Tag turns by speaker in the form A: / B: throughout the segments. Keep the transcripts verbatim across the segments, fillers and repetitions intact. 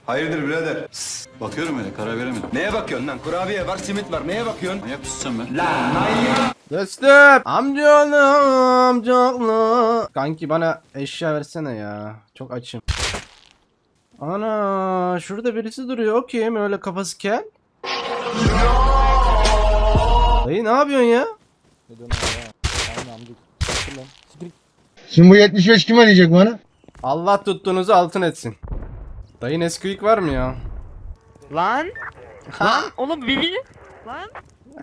A: Hayırdır birader? Sss, bakıyorum öyle, karar veremedim. Neye bakıyorsun lan? Kurabiye var, simit var. Neye bakıyorsun? Manyak mısın sen be? Lan manyak!
B: Dostum. Amcaoğlu amcaoğlu. Kanki bana eşya versene ya. Çok açım. Ana şurada birisi duruyor. O kim? Öyle kafası kel. Dayı ne yapıyorsun ya?
C: Şimdi bu yetmiş beş kim arayacak bana?
B: Allah tuttuğunuzu altın etsin. Dayı Nesquik var mı ya?
D: Lan! Lan oğlum Billy! Lan!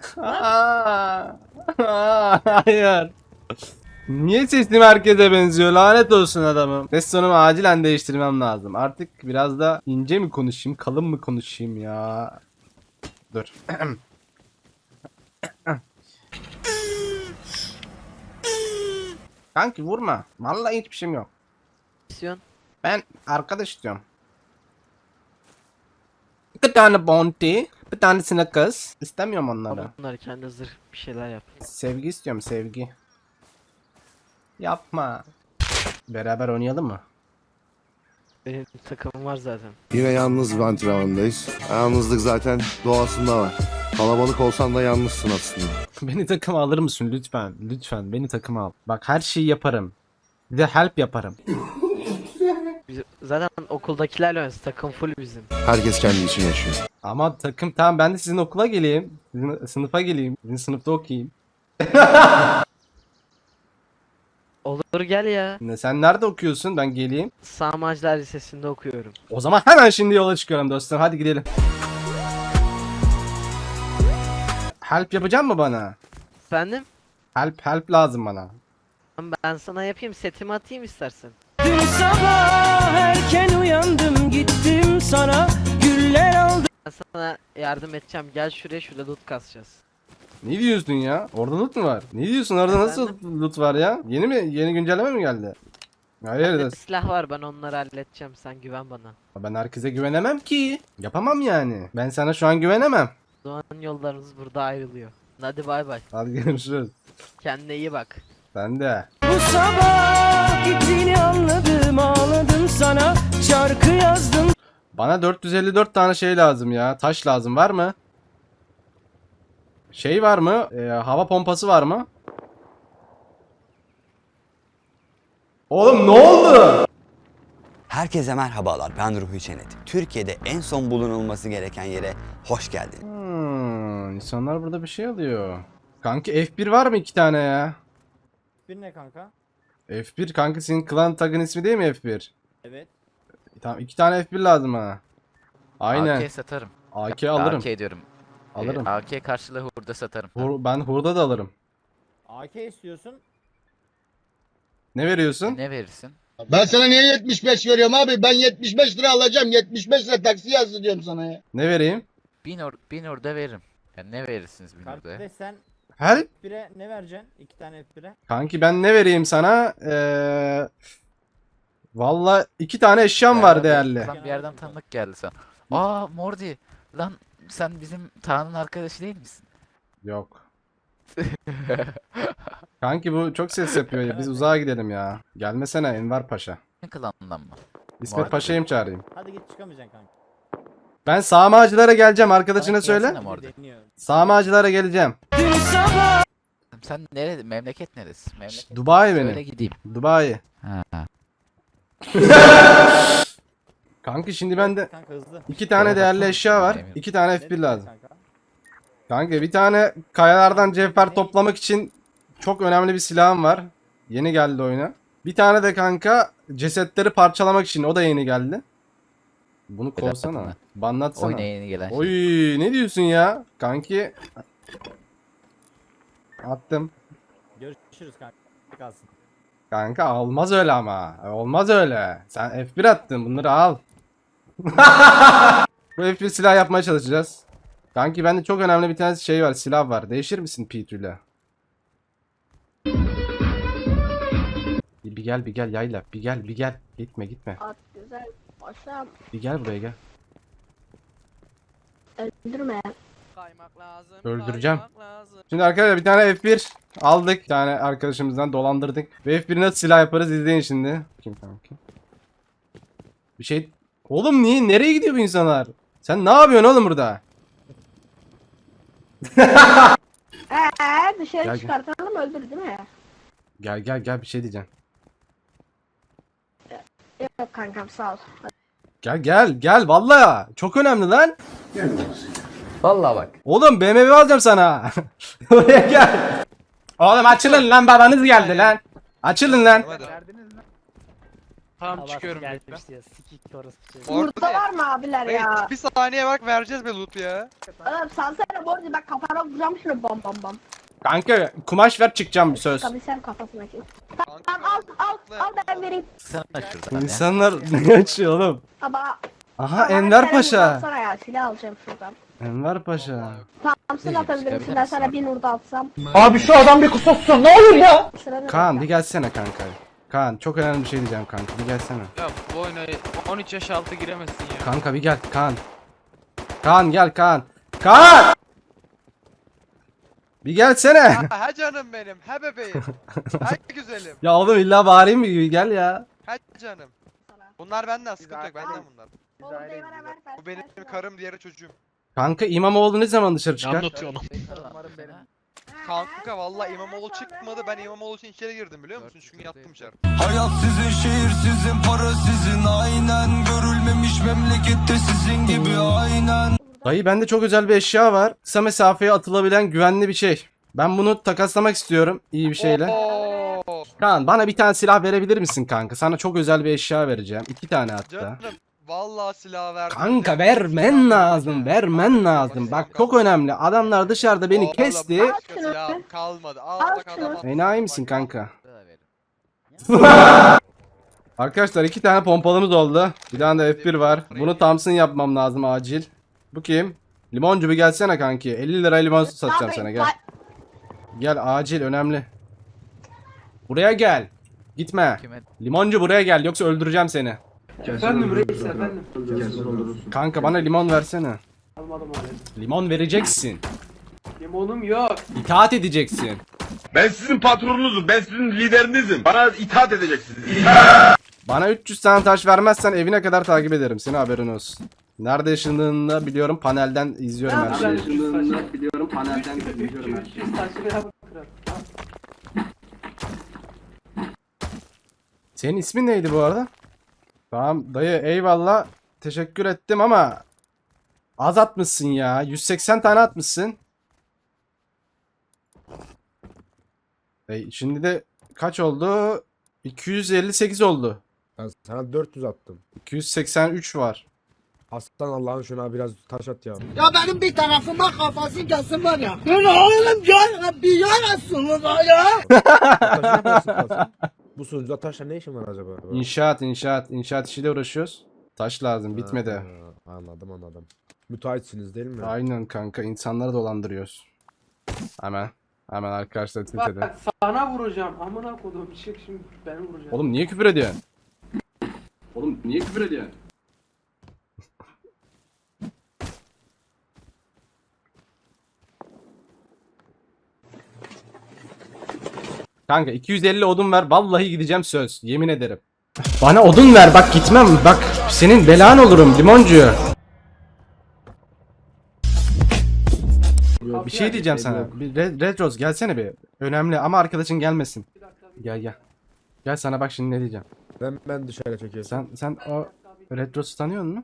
B: Hayır. Niye sesim herkese benziyor? Lanet olsun adamım. Ses tonumu acilen değiştirmem lazım. Artık biraz da ince mi konuşayım, kalın mı konuşayım ya? Dur. Kanki vurma. Vallahi hiçbir şeyim yok.
D: İstiyorsun?
B: Ben arkadaş istiyorum. Bir tane bounty, bir tanesine kız. İstemiyorum onları.
D: Ama bunları kendi zırh bir şeyler yap.
B: Sevgi istiyorum, sevgi. Yapma. Beraber oynayalım mı?
D: Benim takımım var zaten.
E: Yine yalnız bir antrenmandayız. Yalnızlık zaten doğasında var. Kalabalık olsan da yalnızsın aslında.
B: Beni takıma alır mısın lütfen? Lütfen beni takıma al. Bak her şeyi yaparım. Bir de help yaparım.
D: Biz zaten okuldakilerle oynuyoruz. Takım full bizim.
E: Herkes kendi için yaşıyor.
B: Ama takım tamam, ben de sizin okula geleyim. Sizin sınıfa geleyim. Sizin sınıfta okuyayım.
D: Olur gel ya.
B: Ne, sen nerede okuyorsun? Ben geleyim.
D: Sağmacılar Lisesi'nde okuyorum.
B: O zaman hemen şimdi yola çıkıyorum dostum. Hadi gidelim. Help yapacak mı bana?
D: Efendim?
B: Help help lazım bana.
D: Ben sana yapayım, setimi atayım istersen.
F: Dün sabah erken uyandım gittim sana güller aldım.
D: Ben sana yardım edeceğim. Gel şuraya, şurada loot kasacağız.
B: Ne diyorsun ya? Orada loot mu var? Ne diyorsun? Orada nasıl loot var ya? Yeni mi? Yeni güncelleme mi geldi? Hayır
D: Bende
B: da
D: silah var, ben onları halledeceğim. Sen güven bana.
B: ben herkese güvenemem ki. Yapamam yani. Ben sana şu an güvenemem.
D: Doğan yollarımız burada ayrılıyor. Hadi bay bay.
B: Hadi görüşürüz.
D: Kendine iyi bak.
B: Sen de.
F: Bu sabah gittiğini anladım ağladım sana şarkı yazdım.
B: Bana dört yüz elli dört tane şey lazım ya. Taş lazım. Var mı? Şey var mı? Ee, hava pompası var mı? Oğlum ne oldu?
G: Herkese merhabalar, ben Ruhi Çenet. Türkiye'de en son bulunulması gereken yere hoş geldin.
B: Hmm, insanlar burada bir şey alıyor. Kanki F bir var mı iki tane ya?
H: Bir ne kanka?
B: F bir kanka, senin klan tagın ismi değil mi F bir?
H: Evet.
B: Tamam, iki tane F bir lazım ha. Aynen.
I: A K satarım.
B: A K alırım.
I: A K diyorum.
B: Alırım.
I: Ee, A K karşılığı hurda satarım.
B: Hur- ben hurda da alırım.
H: A K istiyorsun.
B: Ne veriyorsun?
I: Ne verirsin?
C: Ben sana niye yetmiş beş veriyorum abi? Ben yetmiş beş lira alacağım. yetmiş beş lira taksi yazdı diyorum sana ya.
B: Ne vereyim?
I: Bin, or bin hurda veririm. Yani ne verirsiniz bin hurdaya?
H: Kardeş sen
B: Her
H: F bire ne vereceksin? İki tane F bire.
B: kanki ben ne vereyim sana? Ee... Valla iki tane eşyam var değerli.
I: Lan bir yerden tanıdık geldi sana. Aa Mordi. Lan sen bizim Tanrı'nın arkadaşı değil misin?
B: Yok. Kanki bu çok ses yapıyor ya. Biz uzağa gidelim ya. Gelmesene Enver Paşa.
I: Ne klanından mı?
B: İsmet
I: Mordi.
B: Paşa'yı mı çağırayım?
H: Hadi git çıkamayacaksın kanka.
B: Ben sağmacılara geleceğim, arkadaşına
I: Bana
B: söyle.
I: gelsene Mordi.
H: Deniyor.
B: Sağmacılara geleceğim.
F: Dün sabah
I: Sen nerede? Memleket neresi? Memleket.
B: Dubai
I: Söyle
B: benim.
I: gideyim.
B: Dubai.
I: Ha.
B: Kanki şimdi bende
H: Kanka hızlı.
B: iki tane
I: Şeye
B: değerli
I: bakar
B: eşya var.
I: mısın?
B: iki tane
H: Ne
B: F bir
H: diyorsun
B: lazım.
H: kanka?
B: Kanka bir tane kayalardan cevher toplamak için çok önemli bir silahım var. Yeni geldi oyuna. Bir tane de kanka cesetleri parçalamak için, o da yeni geldi. Bunu
I: Neden
B: kovsana.
I: bakma?
B: Banlatsana.
I: Oyuna yeni gelen şey.
B: Oy ne diyorsun ya? Kanki. Attım.
H: Görüşürüz kanka. Kalsın.
B: Kanka olmaz öyle ama. Olmaz öyle. Sen F bir attın, bunları al. Bu F bir silah yapmaya çalışacağız. Kanki bende çok önemli bir tane şey var, silah var. Değişir misin P iki ile? Bir, bir gel bir gel yayla. Bir gel bir gel. Gitme gitme.
J: At güzel paşam,
B: Bir gel buraya gel.
J: öldürme.
D: Kaymak lazım.
B: Öldüreceğim.
D: kaymak lazım.
B: Şimdi arkadaşlar bir tane F bir aldık. Bir tane arkadaşımızdan dolandırdık. Ve F bir nasıl silah yaparız izleyin şimdi. Kim kanki? Bir şey Oğlum niye? Nereye gidiyor bu insanlar? Sen ne yapıyorsun oğlum burada?
J: Ee, dışarı
B: Gel, gel.
J: çıkartalım öldür değil mi?
B: Gel gel gel bir şey diyeceğim.
J: Yok kankam sağ ol.
B: Gel gel gel vallahi çok önemli lan.
D: Vallahi bak.
B: Oğlum B M W alacağım sana. Oraya gel. Oğlum açılın lan babanız geldi lan. Açılın lan.
D: Tamam çıkıyorum. Gelmişti ya. Sikik orası.
J: Burada var mı abiler ya?
K: Bir saniye bak vereceğiz be loot ya.
J: Oğlum salsana borcu bak kafana vuracağım şunu bam bam bam.
B: Kanka kumaş ver çıkacağım bir söz.
J: Tabii sen kafasına çek. Tamam al al al ben vereyim.
I: Sen şuradan ya.
B: İnsanlar ne açıyor oğlum?
J: Ama
B: Aha Enver Paşa.
J: Sana ya silah alacağım şuradan.
B: Enver Paşa.
J: Tamam atabilir misin ben sana bir nurda atsam.
C: Abi şu adam bir kusursun ne olur ya.
J: Sıra
B: Kaan bir gelsene kanka. Kaan çok önemli bir şey diyeceğim kanka bir gelsene.
K: Ya bu oyuna on üç yaş altı giremezsin ya.
B: Kanka bir gel Kaan. Kaan gel Kaan. Kaan! Bir gelsene.
K: Ha canım benim, he bebeğim. Ha güzelim,
B: Ya oğlum illa bağırayım mı gibi gel ya.
K: ha canım. Bunlar benden, sıkıntı yok, benden bunlar.
J: Oğlum deyvara ver ver.
K: Bu benim karım, diğeri çocuğum.
B: Kanka İmamoğlu ne zaman dışarı çıkar?
K: Kanka vallahi İmamoğlu çıkmadı, ben İmamoğlu için içeri girdim biliyor musun? Çünkü yattım içeri.
A: Hayat sizin, şehir sizin, para sizin, aynen. Görülmemiş memlekette sizin gibi, aynen.
B: Dayı bende çok özel bir eşya var. Kısa mesafeye atılabilen güvenli bir şey. Ben bunu takaslamak istiyorum iyi bir şeyle.
K: Oo,
B: Kaan bana bir tane silah verebilir misin kanka? Sana çok özel bir eşya vereceğim. İki tane hatta.
K: canım. Vallahi silah verdim.
B: Kanka vermen lazım, vermen lazım. Bak çok önemli. Adamlar dışarıda beni
K: Oğlum,
B: kesti.
K: başka silahım kalmadı. Al
J: Al
K: bak
J: şunu.
K: adama.
B: Enayi misin kanka? Arkadaşlar iki tane pompalımız oldu. Bir tane de F bir var. Bunu Thompson yapmam lazım acil. Bu kim? Limoncu bir gelsene kanki. elli lira limon satacağım sana gel. Gel acil önemli. Buraya gel. Gitme.
I: Kime?
B: Limoncu buraya gel yoksa öldüreceğim seni.
F: Efendim reis efendim.
B: Kanka bana limon versene.
F: Almadım abi.
B: Limon vereceksin.
F: Limonum yok.
B: İtaat edeceksin.
E: Ben sizin patronunuzum. Ben sizin liderinizim. Bana itaat edeceksiniz.
B: Bana üç yüz tane taş vermezsen evine kadar takip ederim. Senin haberin olsun. Nerede yaşadığını da biliyorum. Panelden izliyorum her şeyi.
F: biliyorum panelden izliyorum her şeyi.
B: Senin ismin neydi bu arada? Tamam dayı eyvallah. Teşekkür ettim ama az atmışsın ya. yüz seksen tane atmışsın. E, şimdi de kaç oldu? iki yüz elli sekiz oldu.
E: Ben sana dört yüz attım.
B: iki yüz seksen üç var.
E: Aslan Allah'ın şuna biraz taş at ya.
C: Ya benim bir tarafıma kafası gelsin var ya. Lan oğlum gel bir yarasınız ya.
E: Bu sunucuda taşla ne işin var acaba?
B: İnşaat, inşaat, inşaat işiyle uğraşıyoruz. Taş lazım, bitmedi.
E: Ha, anladım anladım. Müteahhitsiniz değil mi?
B: Aynen kanka, insanları dolandırıyoruz. Hemen, hemen arkadaşlar Twitter'da.
F: Bak sana vuracağım. Amına kodum çık şimdi beni vuracağım.
B: Oğlum niye küfür ediyorsun? Oğlum niye küfür ediyorsun? Kanka iki yüz elli odun ver, vallahi gideceğim söz, yemin ederim. Bana odun ver, bak gitmem, bak senin belan olurum limoncu. Bir şey diyeceğim sana. Bir Red, Red Rose gelsene bir. Önemli ama arkadaşın gelmesin. Gel gel. Gel sana bak şimdi ne diyeceğim.
E: Ben ben dışarı çekiyorum.
B: Sen sen o Red Rose'u tanıyor musun?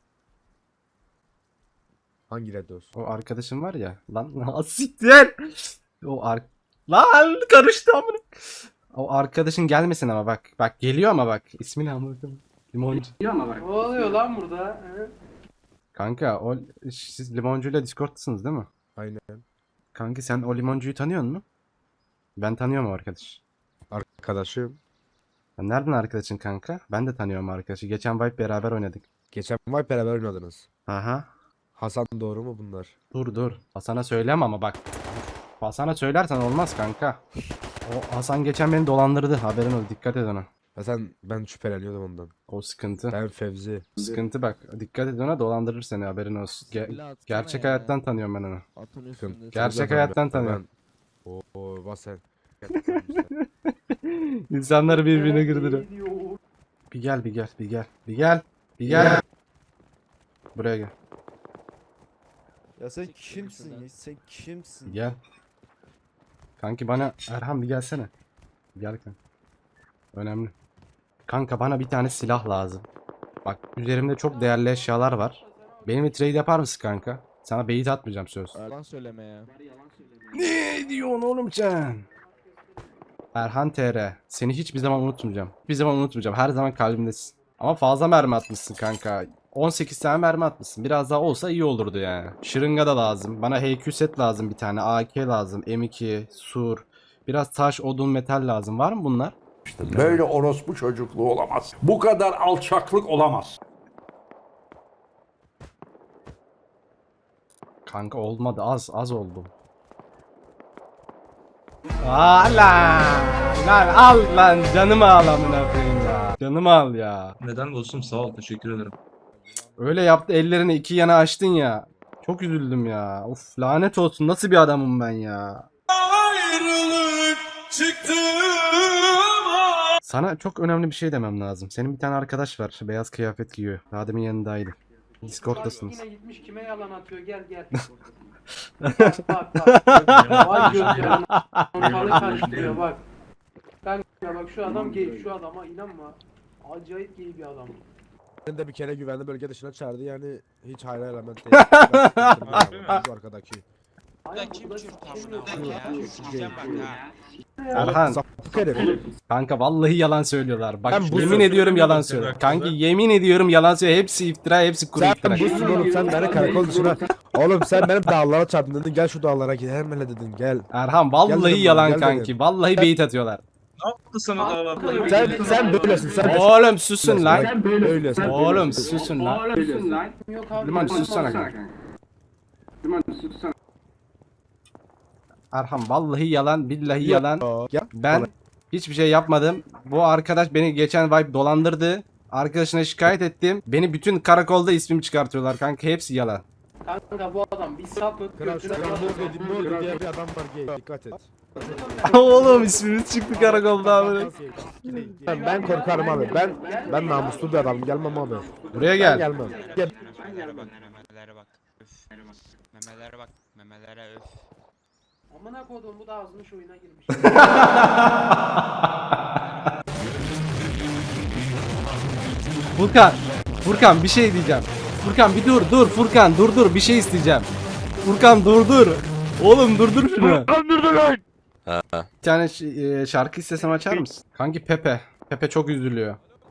E: Hangi red olsun?
B: O arkadaşın var ya. Lan siktir. O ar Lan karıştı amına. O arkadaşın gelmesin ama bak. Bak geliyor ama bak. İsmini anladım. Limoncu. Geliyor ama bak.
F: Ne oluyor lan burada? He?
B: Kanka o siz limoncuyla Discord'tasınız değil mi?
E: Aynen.
B: Kanka sen o limoncuyu tanıyor musun? Ben tanıyorum o arkadaş.
E: Arkadaşım.
B: Ya nereden arkadaşın kanka? Ben de tanıyorum arkadaşı. Geçen Vibe beraber oynadık.
E: Geçen Vibe beraber oynadınız.
B: Aha.
E: Hasan doğru mu bunlar?
B: Dur dur. Hasan'a söyleme ama bak. Hasan'a söylersen olmaz kanka. O Hasan geçen beni dolandırdı. Haberin ol. Dikkat et ona.
E: Ya sen ben şüpheleniyordum ondan.
B: O sıkıntı.
E: Ben Fevzi.
B: Sıkıntı bak. Dikkat et ona, dolandırır seni, haberin olsun. Ge- gerçek hayattan tanıyorum ben onu.
E: Sıkıntı.
B: Gerçek hayattan tanıyorum.
E: Oo, oo bak sen.
B: İnsanları birbirine girdiriyor.
F: Ne diyor?
B: Bir gel bir gel bir gel. Bir gel. Bir gel. Buraya gel.
E: Ya sen kimsin ya? Sen kimsin?
B: Gel. Kanki bana Erhan bir gelsene. Gel kanka. Önemli. Kanka bana bir tane silah lazım. Bak üzerimde çok değerli eşyalar var. Benimle trade yapar mısın kanka? Sana beyit atmayacağım söz.
E: Yalan söyleme ya.
B: Ne diyorsun oğlum sen? Erhan T R. Seni hiçbir zaman unutmayacağım. Hiçbir zaman unutmayacağım. Her zaman kalbimdesin. Ama fazla mermi atmışsın kanka. on sekiz tane mermi atmışsın. Biraz daha olsa iyi olurdu yani. Şırınga da lazım. Bana H Q set lazım bir tane. A K lazım. M iki, sur. Biraz taş, odun, metal lazım. Var mı bunlar?
L: Böyle orospu çocukluğu olamaz. Bu kadar alçaklık olamaz.
B: Kanka olmadı. Az az oldu. Aa lan. Lan al lan. Canımı al amına koyayım ya. Canımı al ya.
A: Neden dostum sağ ol teşekkür ederim.
B: Öyle yaptı, ellerini iki yana açtın ya. Çok üzüldüm ya. Of lanet olsun, nasıl bir adamım ben ya. Sana çok önemli bir şey demem lazım. Senin bir tane arkadaş var. Beyaz kıyafet giyiyor. Daha demin yanındaydı. Discord'tasınız.
F: Yine gitmiş kime yalan atıyor gel gel. Bak bak bak. Vay gözlerim. Ortalığı karıştırıyor bak. Kanka bak şu adam gay, şu adama inanma. Acayip gay bir adam.
E: Ben de bir kere güvenli bölge dışına çağırdı yani hiç hayra element değil. Bu arkadaki.
F: Ben kim
B: Erhan.
E: Sapık herif.
B: Kanka vallahi yalan söylüyorlar. Bak
E: Ben bu
B: yemin
E: söz-
B: ediyorum yalan söylüyor. Kanki yemin ediyorum yalan söylüyor. Hepsi iftira, hepsi kuru
E: Sen
B: iftira.
E: busun oğlum sen beni karakol dışına. Oğlum sen benim dağlara çarptın dedin gel şu dağlara git hemen dedin gel.
B: Erhan
E: Gel
B: vallahi
E: dedim
B: yalan
E: bana, gel
B: kanki.
E: dedim.
B: Vallahi beyit atıyorlar.
E: Sen sen böylesin sen de.
B: Oğlum susun lan.
E: Sen böylesin.
B: Oğlum susun lan.
F: Yok abi.
B: Liman sussana kanka. Erhan vallahi yalan, billahi yalan.
E: Gel.
B: Ben hiçbir şey yapmadım. Bu arkadaş beni geçen vibe dolandırdı. Arkadaşına şikayet ettim. Beni bütün karakolda ismimi çıkartıyorlar kanka. Hepsi yalan.
F: Kanka bu adam bir sapık.
E: Kral şu an Mordi Mordi diye bir adam var gay dikkat et.
B: Oğlum ismimiz çıktı karakolda abi.
E: Ben, ben korkarım abi. Ben ben namuslu bir adamım. Gelmem abi.
B: Buraya
E: Ben
B: gel.
E: gelmem. Gel.
K: Memelere bak. Üf. Memelere bak. Memelere öf.
F: Amına kodum bu da azmış oyuna girmiş.
B: Furkan. Furkan bir şey diyeceğim. Furkan bir dur dur Furkan dur dur bir şey isteyeceğim. Furkan dur dur. Oğlum durdur şunu. Bir tane ş- e, şarkı istesem açar mısın? Kanki Pepe. Pepe çok üzülüyor.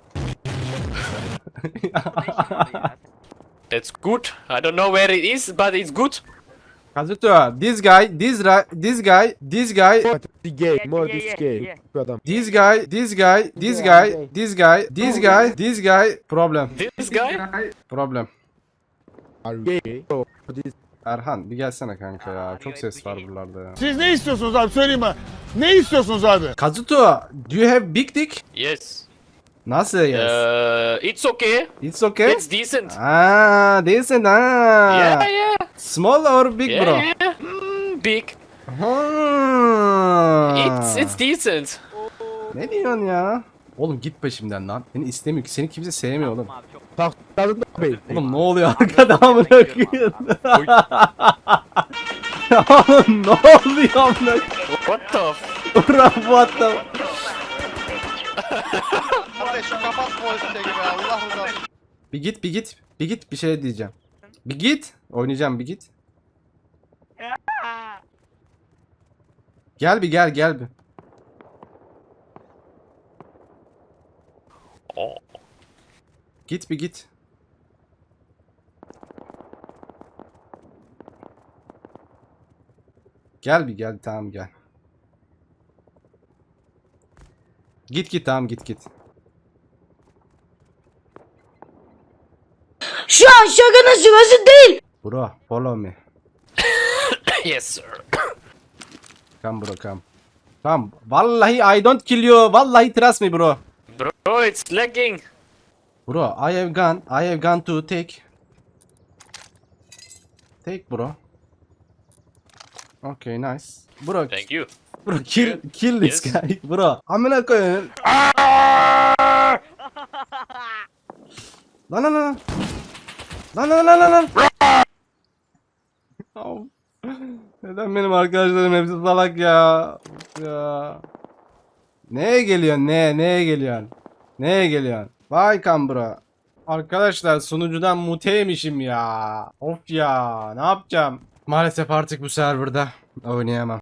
F: It's good. I don't know where it is, but it's good.
B: Kazuto, this guy, this ra- this guy, this guy,
E: Mordi gay. Mordi gay. Bu adam.
B: this guy, this guy, this guy, this guy, this guy, this guy, problem,
F: This guy?
B: problem.
E: Are you gay? Mordi.
B: Erhan bir gelsene kanka ya. Çok ses var buralarda ya.
C: Siz ne istiyorsunuz abi söyleyin bana. Ne istiyorsunuz abi?
B: Kazuto, do you have big dick?
F: Yes.
B: Nasıl yes?
F: Uh, it's okay.
B: It's okay?
F: It's decent.
B: Ah, decent ah.
F: Yeah, yeah.
B: Small or big
F: Yeah,
B: bro?
F: yeah. Mm, big.
B: Hmm.
F: It's it's decent.
B: Ne diyorsun ya? Oğlum git peşimden lan. Seni istemiyor ki. Seni kimse sevmiyor oğlum.
E: Taktadın da bey.
B: Oğlum ne oluyor arkada amına koyayım? Oğlum ne oluyor amına koyayım?
F: What the f-
B: Ulan bu hatta.
K: Kardeş şu kapat poliste gibi Allah razı
B: Bir git bir git. Bir git bir şey diyeceğim. Bir git. Oynayacağım bir git. Gel bir gel gel bir. Git bir git. Gel bir gel tamam gel. Git git tamam git git.
J: Şu an şakanın sırası değil.
B: Bro follow me.
F: Yes, sir.
B: Come bro come. Come. Vallahi I don't kill you. Vallahi trust me bro.
F: Bro, it's lagging.
B: Bro I have gun. I have gun to take. Take bro. Okay nice. Bro
F: Thank you.
B: bro kill kill this
F: Yes.
B: guy bro. Amına koyayım. Lan lan lan. Lan lan lan lan lan. Of. Neden benim arkadaşlarım hepsi salak ya? Of ya. Neye geliyorsun? Neye? Neye geliyorsun? Neye geliyorsun? Vay Kambura. Arkadaşlar sunucudan muteymişim ya. Of ya. Ne yapacağım? Maalesef artık bu serverda oynayamam.